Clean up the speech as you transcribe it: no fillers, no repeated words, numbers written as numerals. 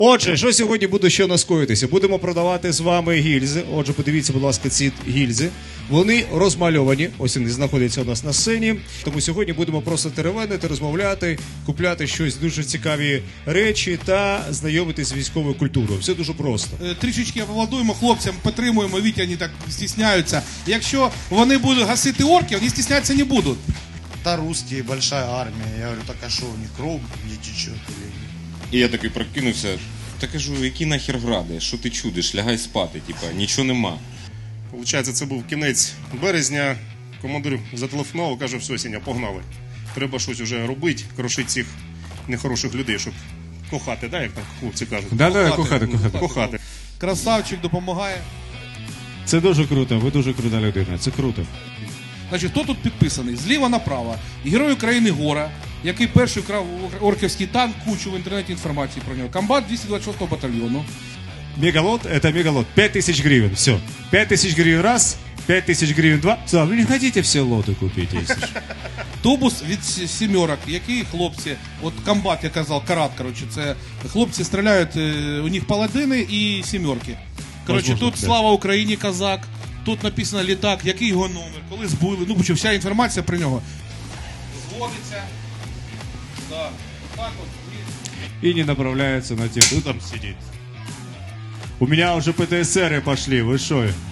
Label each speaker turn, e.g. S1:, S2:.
S1: Отже, що сьогодні буде що наскоїтися? Будемо продавати з вами гільзи. Отже, подивіться, будь ласка, ці гільзи. Вони розмальовані, ось вони знаходяться у нас на сцені. Тому сьогодні будемо просто теревенити, розмовляти, купляти щось дуже цікаві речі та знайомитись з військовою культурою. Все дуже просто.
S2: Трішечки аплодуємо хлопцям, підтримуємо, Вітя, вони так стісняються. Якщо вони будуть гасити орків, вони стіснятися не будуть.
S3: Да, русские, большая армия. Я говорю, так а что, у них кровь не течет?
S4: І я такий прокинувся, та кажу, які нахер гради, що ти чудиш, лягай спати, типа, нічого нема.
S5: Получається, це був кінець березня, командир зателефонував, каже, все, Сеня, погнали. Треба щось вже робити, крошити цих нехороших людей, щоб кохати, да, як там хлопці кажуть?
S1: Да, кохати.
S5: Кохати.
S2: Красавчик допомагає.
S1: Це дуже круто, ви дуже крута людина, це круто.
S2: Значить, хто тут підписаний? Зліва направо. Герой України Гора, який перший вкрав орківський танк, кучу в інтернеті інформації про нього. Комбат 226-го батальйону.
S1: Мегалот, это мегалот. 5000 гривен, все. 5000 гривен раз, 5000 гривен два. Да, вы не хотите все лоты купить, если что.
S2: Тубус від сімерок, який хлопці, от комбат, я казав, карат, коротше, це хлопці стріляють, у них паладини і сімерки. Коротше,
S1: Возможно,
S2: тут
S1: да.
S2: слава Україні, козак, тут написано літак, який його номер, коли збили, ну, почав, вся інформація про нього. Зводиться, да, так от.
S1: И не направляется на тех.
S5: Там сидіть.
S1: У меня уже ПТСРы пошли, вы шо?